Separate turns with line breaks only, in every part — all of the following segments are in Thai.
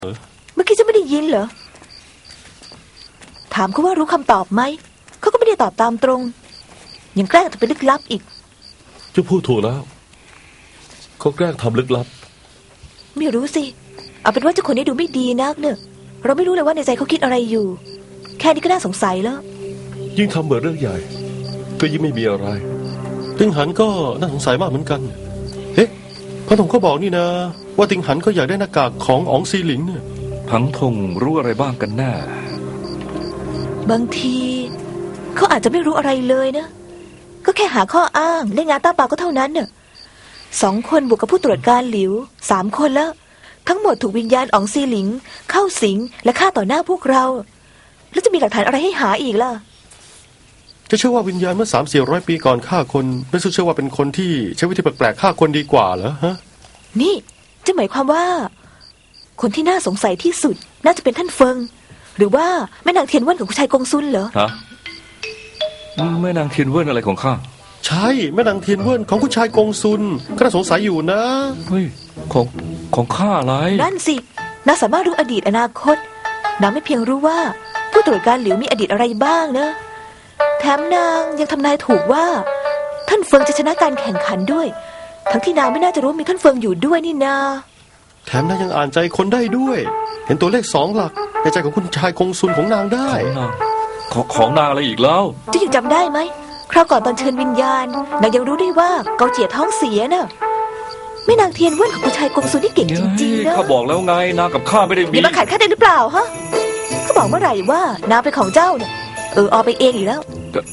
เมื่อกี้จะไม่ได้ยินเหรอถามเขาว่ารู้คำตอบไหมเขาก็ไม่ได้ตอบตามตรงยังแกล้งทำเป็นลึกลับอีก
จะพูดถูกแล้วเขาแกล้งทำลึกลับ
ไม่รู้สิเอาเป็นว่าเจ้าคนนี้ดูไม่ดีนักเนอะเราไม่รู้เลยว่าในใจเขาคิดอะไรอยู่แค่นี้ก็น่าสงสัยแล้ว
ยิ่งทำเหมือนเรื่องใหญ่ก็ยิ่งไม่มีอะไรติงหันก็น่าสงสัยมากเหมือนกันเฮ้พังทงก็บอกนี่นะว่าติงหันก็อยากได้หน้ากากของอ๋องซีหลิงเนี่ย
พังทงรู้อะไรบ้างกันแน่
บางทีเขาอาจจะไม่รู้อะไรเลยนะก็แค่หาข้ออ้างเล่นงานตาเปล่าก็เท่านั้นเน่ะ2 คนบวกกับผู้ตรวจการหลิว3 คนแล้วทั้งหมดถูกวิญญาณอ๋องซีหลิงเข้าสิงและฆ่าต่อหน้าพวกเราแล้วจะมีหลักฐานอะไรให้หาอีกล่ะ
จะเชื่อว่าวิญญาณเมื่อ300-400 ปีก่อนฆ่าคนไม่เชื่อว่าเป็นคนที่ใช้วิธีแปลกๆฆ่าคนดีกว่าเหรอฮะ
นี่จะหมายความว่าคนที่น่าสงสัยที่สุดน่าจะเป็นท่านเฟิงหรือว่าแม่นางเทียนเว่นของคุณชายกงซุนเหรอ
ฮะแม่นางเทียนเว่นอะไรของข้า
ใช่แม่นางเทียนเว่นของคุณชายกงซุนก็น่าสงสัยอยู่นะ
เฮ้ยของข้าอะไร
นั่นสินางสามารถรู้อดีตอนาคตนางไม่เพียงรู้ว่าผู้ตรวจการหลิวมีอดีตอะไรบ้างนะแถมนางยังทำนายถูกว่าท่านเฟิงจะชนะการแข่งขันด้วยทั้งที่นางไม่น่าจะรู้มีท่านเฟิงอยู่ด้วยนี่นา
แถมนางยังอ่านใจคนได้ด้วยเห็นตัวเลข2 หลักในใจของคุณชายกงซุนของนางได้
ของนางอะไรอีกแล้ว
จะยังจำได้ไหมคราวก่อนตอนเชิญวิญญาณนางยังรู้ได้ว่าเกาเจี๋ยท้องเสียน่ะแม่นางเทียนเว่นของคุณชายกงซุนนี่เก่งจริงๆนะ
ข้าบอกแล้วไงนางกับข้าไม่ได้มี
นี่มาขัดข้าได้หรือเปล่าฮะเขาบอกเมื่อไหร่ว่านางเป็นของเจ้าเนี่ยเอาไปเองอีกแล้ว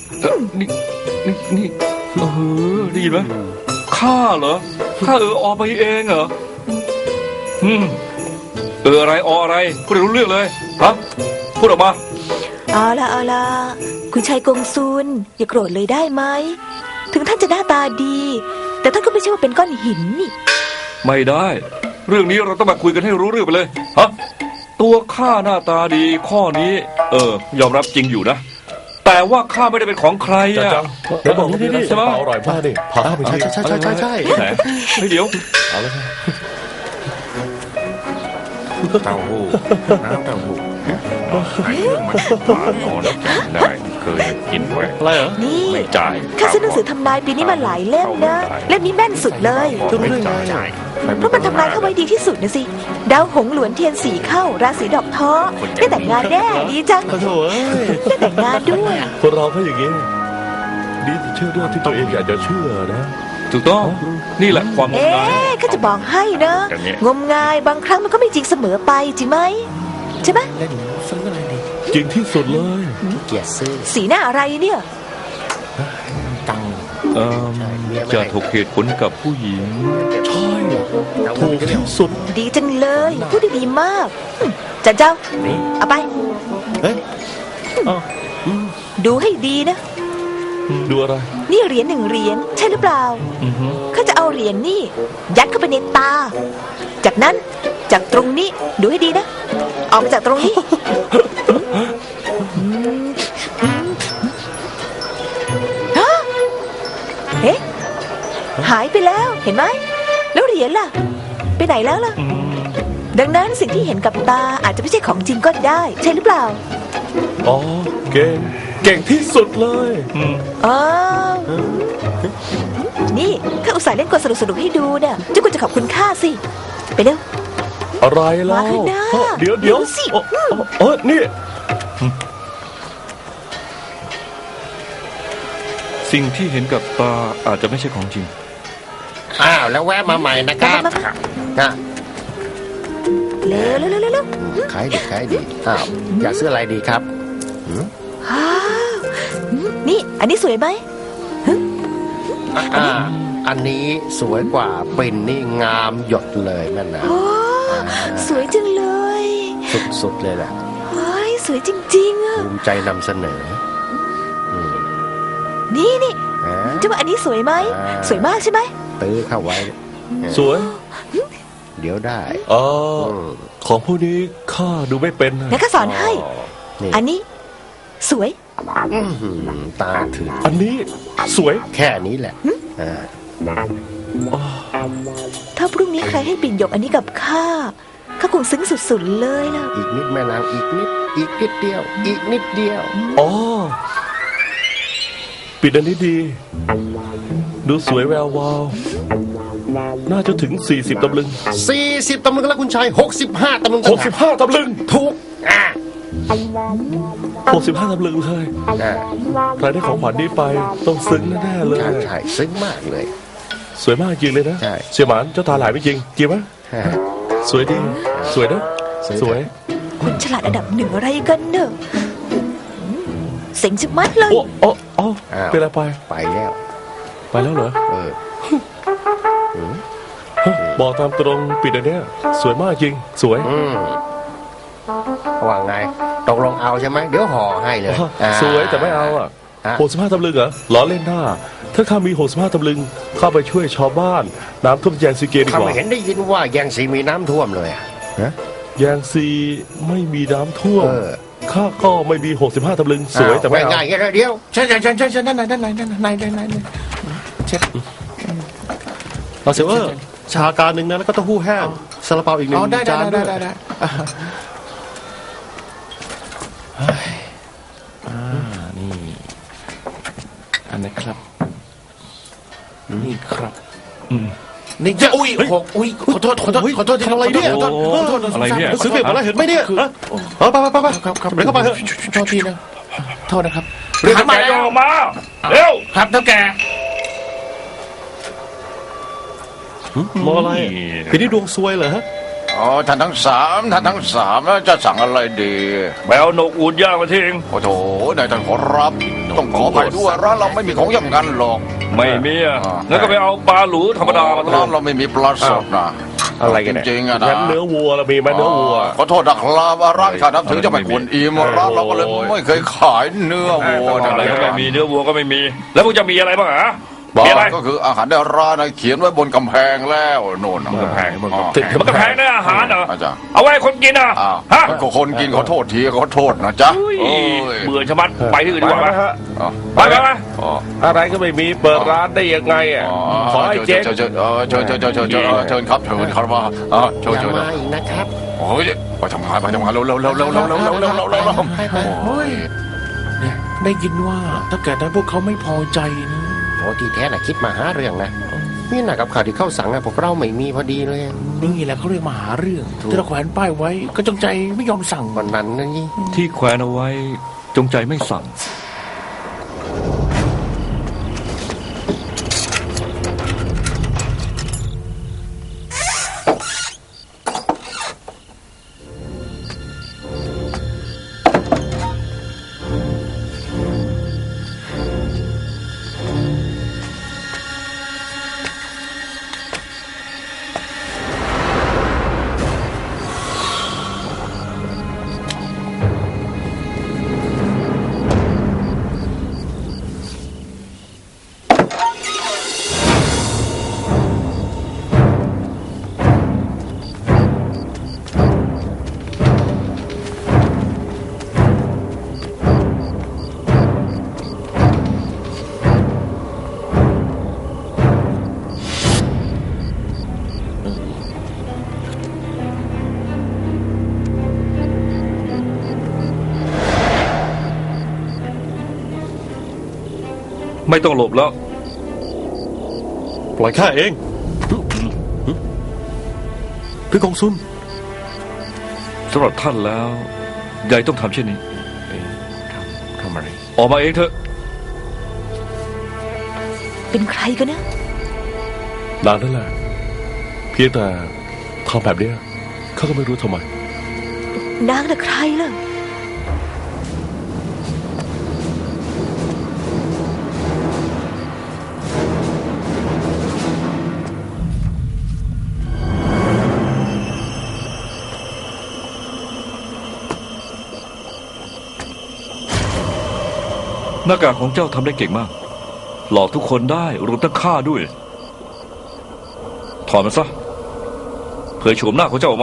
นี่ได้ยินไหมข้าเหรอข้าอไปเองเหรออะไรอะไรพูดรู้เรื่องเลยฮะพูดออกมา
เอาล่ะคุณชายกงซุนอย่าโกรธเลยได้ไหมถึงท่านจะหน้าตาดีแต่ท่านก็ไม่ใช่ว่าเป็นก้อนหินนี่
ไม่ได้เรื่องนี้เราต้องมาคุยกันให้รู้เรื่องไปเลยฮะตัวข้าหน้าตาดีข้อนี้ยอมรับจริงอยู่นะแต่ว่าข้าไม่ได้เป็นของใครอ่ะ
เดี๋ยวบอกนี่ใช่ไหมอร่อยมากดิผักใช่
เดี๋ยว
เอาเลย
เต้าหู้น้ำเต้าหู้ไอ้เครื่องมันหวานอ่อนได้เคยกินไว้
อะไรเหรอ
นี่
ไม่จ่าย
ข้าซื้อหนังสือทำนายปีนี้มาหลายเล่มนะเล่มนี้แม่นสุดเลย
ไม่จ่าย
เพราะมันทำนายเข้าไว้ดีที่สุดนะสิดาวหงหลวนเทียนสีเข้าราศีดอกท้อได้แต่งงานแน่ดีจัง
โถ่
ได้แต่งงานด้วย
คนเราก็อย่างนี้ดีเชื่อเรื่องที่ตัวเองอยากจะเชื่อนะ
ถูกต้องนี่แหละความงมงาย
ข้าจะบอกให้นะงมงายบางครั้งมันก็ไม่จริงเสมอไปจริงไหมใช่ไหม
เล่นซื้ออะไรดี
จริงที่สุดเลย
เกียรติซื้อ
สีหน้าอะไรเนี่ย
ตัง
จะถูกเหตุผลกับผู้หญิง
ใช่ถูกที่สุด
ดีจังเลยพูดดีมากจันเจ้าเอาไป
เฮ้ย
ดูให้ดีนะ
ดูอะไร
นี่เหรียญ1 เหรียญใช่หรือเปล่าข้าจะเอาเหรียญนี่ยัดเข้าไปในตาจากนั้นจากตรงนี้ดูให้ดีนะออกมาจากตรงนี้เฮ้หายไปแล้วเห็นไหมแล้วเหรียญล่ะไปไหนแล้วล่ะดังนั้นสิ่งที่เห็นกับตาอาจจะไม่ใช่ของจริงก็ได้ใช่หรือเปล่า
อ๋อเก่งที่สุดเลย
นี่ข้าอุตส่าห์เล่นกลสนุกๆให้ดูเนี่ยเจ้าคุณจะขอบคุณข้าสิไปเร็ว
อะไรล่ะเดี๋ยว
สิ
นี่
สิ่งที่เห็นกับตาอาจจะไม่ใช่ของจริง
แล้วแวะมาใหม่นะครับ
เร็ว
ขายดีอยากซื้ออะไรดีครับ
นี่อันนี้สวยไหม
อันนี้สวยกว่าเป็นนี่งามหยดเลยนั่นนะ
สวยจังเลย
สุดเลยแหละ
สวยจริงๆอ่ะ
ภูมิใจนำเสนอ
นี่เจ้าว่าอันนี้สวยไหมสวยมากใช่ไหม
ตื้อเข้าไว้
สวย
เดี๋ยวได้
ของพวกนี้ข้าดูไม่เป็น
งั้นข้าสอนให้อันนี้สวย
ตาถึง
อันนี้สวย
แค่นี้แหละ
ถ้าพรุ่งนี้ใครให้ปิ่นหยกอันนี้กับข้าเขาคงซึ้งสุดๆเลยล่ะ
อีกนิดแม่นางอีกนิด อีกนิดเดียว อีกนิดเดียว
อ๋อ ปิดอันนี้ดี ดูสวยแวววาว น่าจะถึง 40 ตำลึง
40 ตำลึงแล้วคุณชาย 65 ตำลึง
65 ตำลึง
ถูกอ่า
65 ตำลึงเลย ใครได้ของขวัญนี้ไป ต้องซึ้งแน่ๆเลย
ใช่ซึ้งมากเลย
สวยมากจริงเลยนะ
ใช่
เสี่ยหมานเจ้าตาหลายไม่จริงจริงไหม
ฮ่า
สวยดี สวยนะ สวย
คนฉลาดอันดับหนึ่งอะไรกันเนอะเสียงจะมัดเลย
โอ้โอ้โอ้เป็นอะไรไป
ไปแล้ว
ไปแล้วเหรอ
เออ
บอกตามตรงปิดอันเนี้ยสวยมากจริง สวย
ว่าไงตกลงเอาใช่ไหมเดี๋ยวห่อให้เลยอ่า
สวยแต่ไม่เอาอ่ะ
อ่ะ
65 ตำลึงเหรอล้อเล่นหน้า ถ้าข้ามี65 ตำลึงเข้าไปช่วยชาวบ้าน น้ำท่วมแยงซีเกดี
ข้าก
ว่า
ไม่เห็นได้ยินว่าแยงสีมีน้ำท่วมเลยอะฮะ
แยงซีไม่มีน้ำท่วม
เออ
ข้าก็ไม่มี65 ตำลึงสวยแต่ไม่เอา
ง่ายๆเดี๋ยว
ใช่ด้านในเช็ด
เราเสียว่าชาการหนึ่งนะแล้วก็เต้าหู้แห้งซาลาเปาอีกหนึ่งจานด้วย
นี่อันนี้ครับ นี่ครับนี่จะอุ้ยหกอุ้ยขอโทษที่
ทำอะไรเนี่ย
อะไรเนี่ย
ซื้อเบียร์มาแล้วเห็นไหมเนี่ยฮะไป
ครับ
เดี๋ยวเข้าไปเถอะ
โทษทีนะโทษนะครับ
เรียกแกออกมา เร็ว
ครับเท่าแก
มองอะไรปีนี้ดวงซวยเหรอฮะ
อ๋อท่านทั้งสามแล้วจะสั่งอะไรดี
แมวนกอูดย่างมาทิ้ง
โอ้โถนายท่านขอรับ ต้องขอไปด้วยร้านเราไม่มีของอย่างนั้นหรอก
ไม่มีอ่ะงั้นก็ไปเอาปลาหลูธรรมดามา
ร้านเราไม่มีปลาสดนะ
อะไรกันเนี่ย
จริงๆอะนะ
งั้นเนื้อวัวเรามีไหมเนื้อวัว
ขอโทษนะครับร้านข้านับถือจะไม่ควรอิ่มร้านเราก็เลยไม่เคยขายเนื้อวัว
อะไรก็ไม่มีเนื้อวัวก็ไม่มี แล้วพวกจะมีอะไรบ้างอ่ะ
บ้า
มีอะไร
ก็คืออาหารในร้านนะเขียนไว้บนกำแพงแล้วโน่น
บนกำแพง
ติด
มันก็แพงนะอาหารเหรอ
อาจารย์
เอาไว้ให้คนกินอ่ะ
อ้าว
ฮะ
มันก็คนกินขอโทษทีขอโทษนะจ๊ะ
อุ้ย
โอ้ย
เบื่อชะมัดไปที่อื่นดีกว่าไหม
อ๋อ
ไปไปไป
อ๋อ
อะไรก็ไม่มีเปิดร้านได้ยังไงอ่ะขอให้เจ๊ง
เชิญครับเชิญครับว่าเชิญ
อย่า
เชิญ
มาอีกนะครับ
โอ้ยไปทำงานเร็วโอ้ย
เนี่ยได้ยินว่าถ้าแกนั้นพวกเขาไม่พอใจนะ
โอ้ที่แท้น่ะคิดมาหาเรื่องนะนี่หนักกับข่าวที่เข้าสั่งอะพวกเราไม่มีพอดีเลย
นี่แหละเขาเรียกมาหาเรื่องที่เราแขวนป้ายไว้ก็จงใจไม่ยอมสั่ง
วันนั้นนั่นนี่
ที่แขวนเอาไว้จงใจไม่สั่ง ไม่ต้องหลบแล้ว
ปล่อยข้าเองพี่กงซุน
สำหรับท่านแล้วยายต้องทำเช่นนี้
ทำอะไร
ออกมาเองเถอะ
เป็นใครกันนะ
นานนั่นแหละเพียงแต่ทำแบบเนี้ยข้าก็ไม่รู้ทำไม
นางน่ะใครล่ะ
หน้ากากของเจ้าทำได้เก่งมาก หลอกทุกคนได้รวมทั้งข้าด้วย ถอดมันซะเผยโฉมหน้าของเจ้าออกมา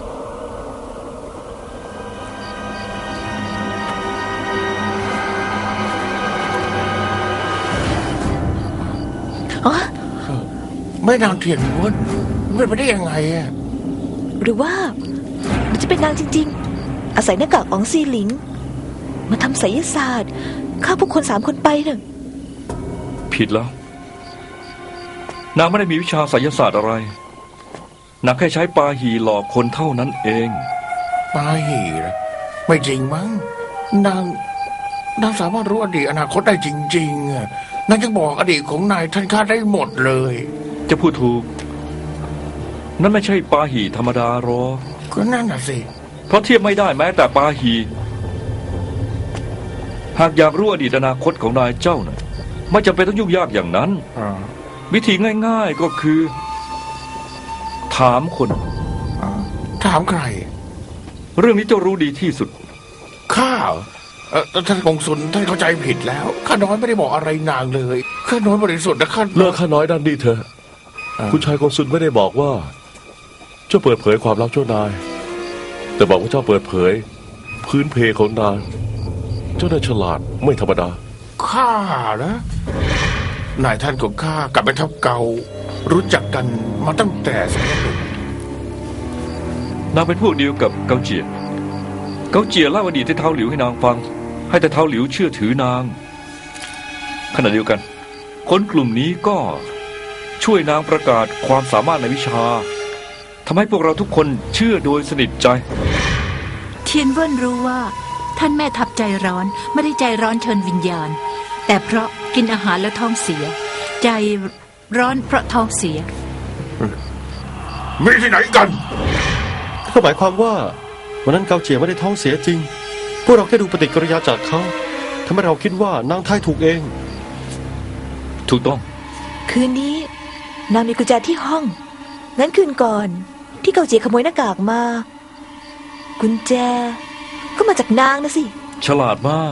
อ๋อ
ไม่นางเทียนม้วนเป็นไปได้ยังไงอะ
หรือว่ามันจะเป็นนางจริงๆ อาศัยหน้ากากอ๋องซีหลิง มาทำไสยศาสตร์ฆ่าพวกคน3 คนไปเนอะ
ผิดแล้ว นางไม่ได้มีวิชาไสยศาสตร์อะไร นางแค่ใช้ปาหีหลอกคนเท่านั้นเอง
ปาหีเหรอไม่จริงมั้งนางสามารถรู้อดีตอนาคตได้จริงๆอะนางจะบอกอดีตของนายท่านข้าได้หมดเลย
จะพูดถูก นั่นไม่ใช่ปาหีธรรมดาหรอก
ก็นั่นน่ะสิ
เพราะเทียบไม่ได้แม้แต่ปาหี หากอยากรู้อดีตอนาคตของนายเจ้าน่ะไม่จำเป็นต้องยุ่งยากอย่างนั้น วิธีง่ายๆก็คือ ถามคน
ถามใคร
เรื่องนี้เจ้ารู้ดีที่สุด
ข้าท่านกงสุลท่านเข้าใจผิดแล้วข้าน้อยไม่ได้บอกอะไรนางเลยข้าน้อยบริสุทธิ์นะข้า
เลิกข้าน้อยด้านนี้เถอะคุณชายกงสุลไม่ได้บอกว่า เจ้าเปิดเผยความลับเจ้านาย แต่บอกว่าเจ้าเปิดเผย พื้นเพของนางเจ้านายฉลาดไม่ธรรมดา
ข้านะนายท่านของข้ากับแม่ทัพเก่ารู้จักกันมาตั้งแต่สมัยหนุ่ม
นางเป็นพวกเดียวกับเกาเจียเกาเจียเล่าอดีตให้เท้าหลิวให้นางฟัง ให้แต่เท้าหลิวเชื่อถือนาง ขณะเดียวกัน คนกลุ่มนี้ก็ช่วยนางประกาศความสามารถในวิชาทำให้พวกเราทุกคนเชื่อโดยสนิทใจ
เทียนเวิ้นรู้ว่าท่านแม่ทัพใจร้อนไม่ได้ใจร้อนเชิญวิญญาณ แต่เพราะกินอาหารแล้วท้องเสีย ใจร้อนเพราะท้องเสีย
มีที่ไหนกัน
ก็หมายความว่าวันนั้นเกาเจียไม่ได้ท้องเสียจริง พวกเราแค่ดูปฏิกิริยาจากเขาทำให้เราคิดว่านางทายถูกเอง
ถูกต้อง
คืนนี้นางมีกุญแจที่ห้อง งั้นคืนก่อนที่เกาเจียขโมยหน้ากากมา กุญแจ ก็มาจากนางนะสิ
ฉลาดมาก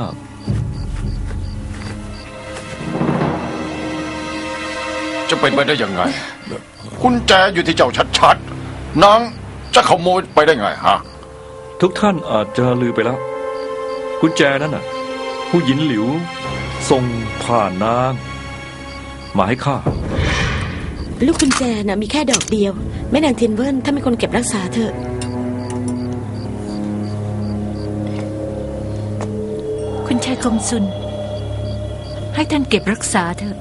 จะเป็นไปได้ยังไง กุญแจอยู่ที่เจ้าชัดๆนางจะขโมยไปได้ไงฮะ
ทุกท่านอาจจะลือไปแล้วกุญแจนั้นน่ะ ผู้หญิงหลิวส่งผ่านนางมาให้ข้า
ลูกกุญแจน่ะมีแค่ดอกเดียวแม่นางเทียนเวิ้นถ้ามีคนเก็บรักษาเถอะ
คุณชายกงสุลให้ท่านเก็บรักษาเถอะ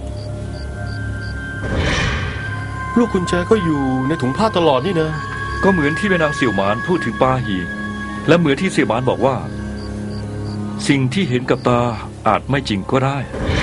ลูกกุญแจก็อยู่ในถุงผ้าตลอดนี่นะ
ก็เหมือนที่แม่นางเสี่ยวหมานพูดถึงปาหี และเหมือนที่เสี่ยวหมานบอกว่า สิ่งที่เห็นกับตาอาจไม่จริงก็ได้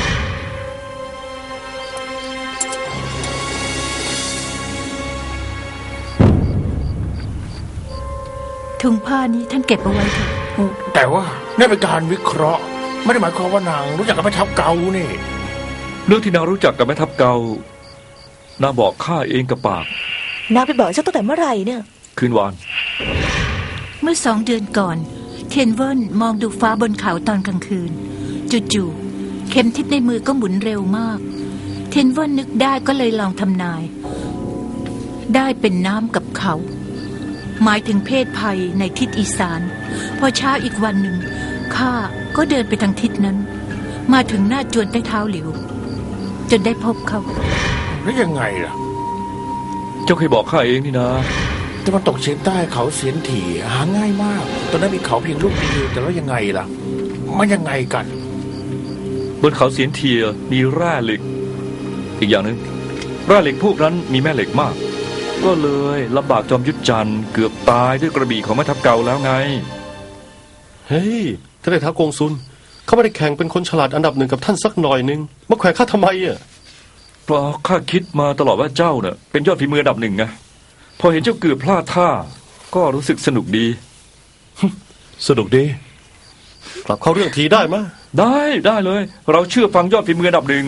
ถุงผ้านี้ท่านเก็บเอาไว้เถอะ
แต่ว่านี่เป็นการวิเคราะห์ ไม่ได้หมายความว่านางรู้จักกับแม่ทัพเก่านี่
เรื่องที่นางรู้จักกับแม่ทัพเกานางบอกข้าเองกับปาก
นางไปบอกเจ้าตั้งแต่เมื่อไหร่เนี่ย
คืนวาน
เมื่อ2 เดือนก่อน เทียนเวิ้นมองดูฟ้าบนเขาตอนกลางคืนจู่ๆเข็มทิศในมือก็หมุนเร็วมาก เทียนเวิ้นนึกได้ก็เลยลองทำนาย ได้เป็นน้ำกับเขา หมายถึงเพศภัยในทิศอีสานพอเช้าอีกวันหนึ่งข้าก็เดินไปทางทิศนั้น มาถึงหน้าจวนใต้เท้าหลิว จนได้พบเขา
แล้วยังไงล่ะ
เจ้าเคยบอกข้าเองนี่นะ
ตะวันตกเฉียงใต้เขาเสียนถี่หาง่ายมาก ตอนนั้นมีเขาเพียงลูกเดียวแต่แล้วยังไงล่ะ มันยังไงกัน
บนเขาเสียนเทียมีแร่เหล็ก อีกอย่างหนึ่งแร่เหล็กพวกนั้นมีแม่เหล็กมาก ก็เลยลำบากจอมยุทธจันทร์เกือบตายด้วยกระบี่ของแม่ทัพเก่าแล้วไง
เฮ้ยท่านนายท้าวกงสุลเขาไม่ได้แข่งเป็นคนฉลาดอันดับ1กับท่านสักหน่อยนึงมาแขวะข้าทำไมอ่ะ
เพราะข้าคิดมาตลอดว่าเจ้าเนี่ยเป็นยอดฝีมืออันดับ1ไงพอเห็นเจ้าเกือบพลาดท่า ก็รู้สึกสนุกดี
สนุกดีกลับเข้าเรื่องทีได้มะ
ได้เลย เราเชื่อฟังยอดฝีมืออันดับ1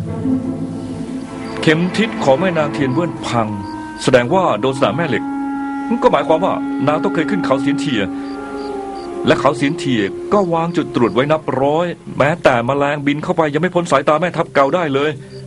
เข็มทิศของแม่นางเทียนเวิ้นพัง แสดงว่าโดนสนามแม่เหล็กก็หมายความว่านางต้องเคยขึ้นเขาเสียนเทีย และเขาเสียนเทียก็วางจุดตรวจไว้นับร้อย แม้แต่แมลงบินเข้าไปยังไม่พ้นสายตาแม่ทัพเก่าได้เลย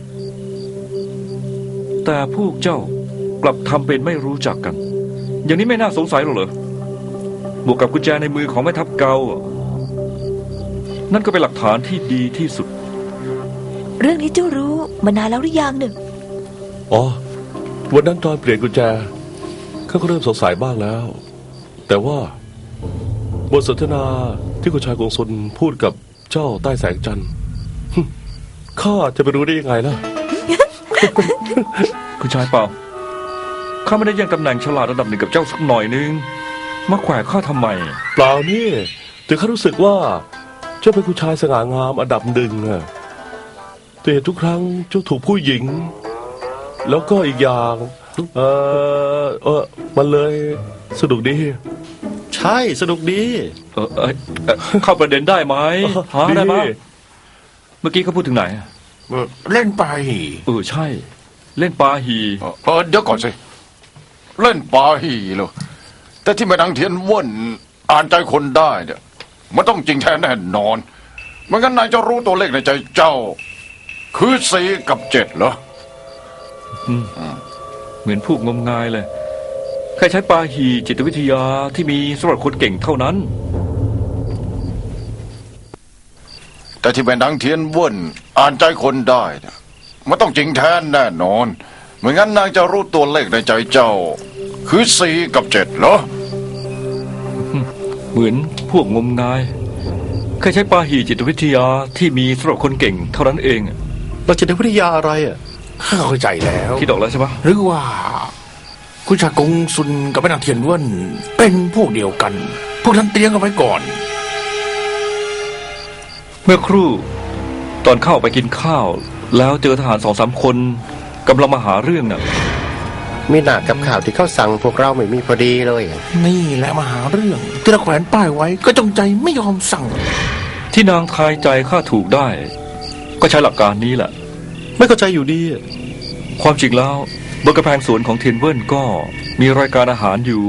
แต่พวกเจ้ากลับทำเป็นไม่รู้จักกัน อย่างนี้ไม่น่าสงสัยหรอกเหรอบวกกับกุญแจในมือของแม่ทัพเก่านั่นก็เป็นหลักฐานที่ดีที่สุด
เรื่องนี้เจ้ารู้มานานแล้วหรือยังเนี่ย
อ๋อวันนั้นตอนเปลี่ยนกุญแจเขาก็เริ่มสงสัยบ้างแล้ว แต่แต่ว่าบทสนทนาที่คุณชายกงสุนพูดกับเจ้าใต้แสงจันทร์ข้าจะไปรู้ได้ยังไงล่ะ
คุณชายเปล่าข้าไม่ได้แย่งตำแหน่งฉลาดระดับหนึ่งกับเจ้าสักหน่อยนึงมาแขวะข้าทำไม
เปล่านี่แต่ข้ารู้สึกว่าเจ้าเป็นคุณชายสง่างามอันดับหนึ่งอะแต่เห็นทุกครั้งเจ้าถูกผู้หญิง แล้วก็อีกอย่างมันเลยสนุกดี
ใช่สนุกดี
เข้าประเด็นได้ไหมหาได้ไหมเมื่อกี้เขาพูดถึงไหน
เล่นไป
ใช่ เล่นปาหี
เดี๋ยวก่อนสิ เล่นปาหีเหรอแต่ที่แม่นางเทียนว่นอ่านใจคนได้เนี่ยมันต้องจริงแท้แน่นอนไม่งั้นนายจะรู้ตัวเลขในใจเจ้า คือ4 กับ 7เหรอ
เหมือนพูดงมงายเลยแค่ใช้ปาหีจิตวิทยาที่มีสำหรับคนเก่งเท่านั้น
แต่ที่แม่นางเทียนว่นอ่านใจคนได้เนี่ยมันต้องจริงแท้แน่นอนไม่งั้นนางจะรู้ตัวเลขในใจเจ้า คือ4 กับ 7เหรอ
เหมือนพวกงมงายแค่ใช้ปาหีจิตวิทยาที่มีสำหรับคนเก่งเท่านั้นเอง
เราจิตวิทยาอะไรอ่ะ
ข้าเข้าใจแล้ว
คิดออกแล้วใช่ปะ
หรือว่า คุณชายกงซุนกับแม่นางเทียนเว่นเป็นพวกเดียวกัน พวกนั้นเตรียมกันไว้ก่อน
เมื่อครู่ตอนเข้าไปกินข้าว แล้วเจอทหาร2-3 คนกำลังมาหาเรื่องน่ะ
มีหนากับข่าวที่เขาสั่งพวกเราไม่มีพอดีเลย
นี่แหละมาหาเรื่องที่เราแขวนป้ายไว้ก็จงใจไม่ยอมสั่ง
ที่นางทายใจข้าถูกได้ ก็ใช้หลักการนี้แหละ
ไม่เข้าใจอยู่ดี
ความจริงแล้วบนกระแพงสวนของเทียนเวินก็มีรายการอาหารอยู่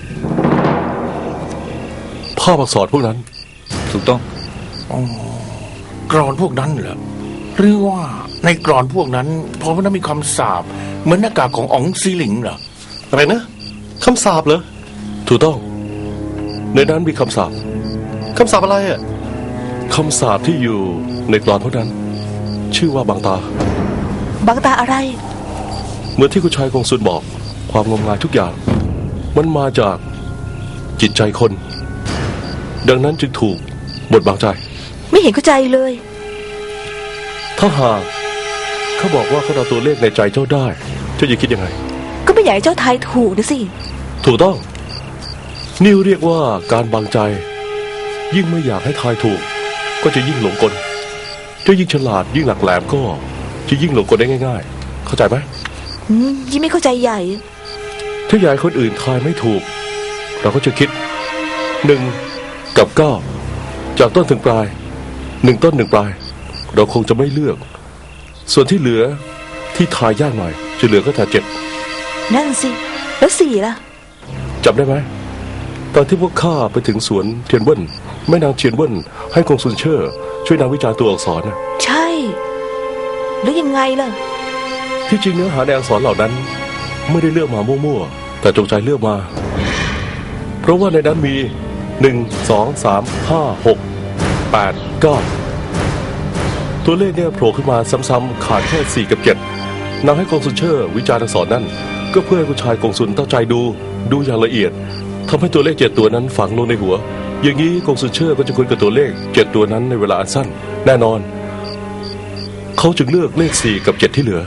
ภาพอักษรพวกนั้น
ถูกต้อง
กรอนพวกนั้นเหรอหรือว่าในกรอนพวกนั้นพอมันมีคำสาปเหมือนหน้ากากของอ๋องซีหลิงเหรอ
อะไรนะคำสาปเหรอ
ถูกต้อง ในนั้นมีคำสาป
คำสาปอะไรอ่ะ
คำสาปที่อยู่ในกลอนพวกนั้น ชื่อว่าบางตา
บางตาอะไร
เหมือนที่คุณชายกงสุนบอก ความงมงายทุกอย่าง มันมาจากจิตใจคน ดังนั้นจึงถูกบดบังใจ
ไม่เห็นเข้าใจเลย
ถ้าหากเขาบอกว่าเขาเอาตัวเลขในใจเจ้าได้ เจ้าจะคิดยังไง
ก็ไม่อยากให้เจ้าทายถูกนะสิ
ถูกต้องนี่เรียกว่าการบังใจ ยิ่งไม่อยากให้ทายถูก ก็จะยิ่งหลงกลเจ้ายิ่งฉลาดยิ่งหลักแหลมก็จะยิ่งหลงกลได้ง่ายๆเข้าใจไหม
ยิ่งไม่เข้าใจใหญ่
ถ้าอยากให้คนอื่นทายไม่ถูก เราก็จะคิด1 กับ 9จากต้นถึงปลาย1 ต้น 1 ปลาย เราคงจะไม่เลือก ส่วนที่เหลือที่ทายยากหน่อยจะเหลือก็แต่7
นั่นสิ แล้ว4ล่ะ
จำได้ไหมตอนที่พวกข้าไปถึงสวนเทียนเว่นแม่นางเทียนเว่นให้กงซุนเชอร์ช่วยนางวิจารณ์ตัวอักษรนะ
ใช่ แล้วยังไงล่ะ
ที่จริงเนื้อหาในอักษรเหล่านั้น ไม่ได้เลือกมามั่วๆแต่จงใจเลือกมา เพราะว่าในนั้นมี1 2 3 5 6 8 9ตัวเลขเนี่ยโผล่ขึ้นมาซ้ำๆขาดแค่4 กับ 7นางให้กงซุนเชอร์วิจารณ์อักษรนั่นก็เพื่อให้คุณชายกงซุนตั้งใจดูอย่างละเอียดทำให้ตัวเลข7 ตัวนั้นฝังลงในหัว อย่างนี้กงซุนเชอร์ก็จะคุ้นกับตัวเลข7 ตัวนั้นในเวลาอันสั้นแน่นอนเขาจึงเลือกเลข4 กับ 7ที่เหลือ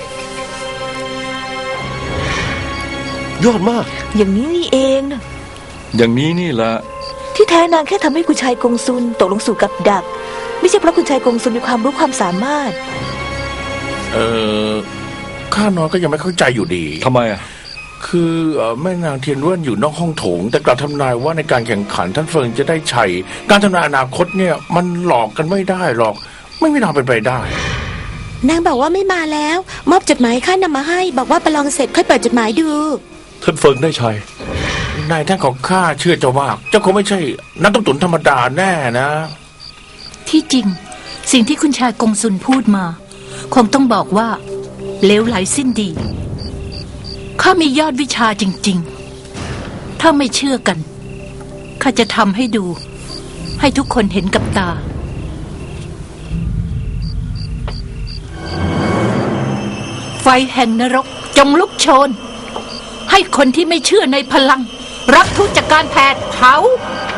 ยอดมาก
อย่างนี้นี่เองนะ
อย่างนี้นี่แหละ
ที่แท้นางแค่ทำให้คุณชายกงซุนตกลงสู่กับดัก ไม่ใช่เพราะคุณชายกงซุนมีความรู้ความสามารถ
ข้าน้อยก็ยังไม่เข้าใจอยู่ดี
ทำไมอ่ะ
คือแม่นางเทียนเว่นอยู่นอกห้องโถง แต่กลับทำนายว่าในการแข่งขันท่านเฟิงจะได้ชัยการทำนายอนาคตเนี่ยมันหลอกกันไม่ได้หรอก ไม่มีทางเป็นไปได้
นางบอกว่าไม่มาแล้ว มอบจดหมายข้านำมาให้ บอกว่าประลองเสร็จค่อยเปิดจดหมายดู
ท่านเฟิงได้ชัย
นายท่านของข้าเชื่อเจ้ามากเจ้าคงไม่ใช่นักต้มตุ๋นธรรมดาแน่นะ
ที่จริง สิ่งที่คุณชายกงซุนพูดมา คงต้องบอกว่าเลวไหลสิ้นดีข้ามียอดวิชาจริงๆ ถ้าไม่เชื่อกันข้าจะทำให้ดู ให้ทุกคนเห็นกับตา ไฟแห่งนรกจงลุกโชน ให้คนที่ไม่เชื่อในพลังรับทุกจากการแผดเผา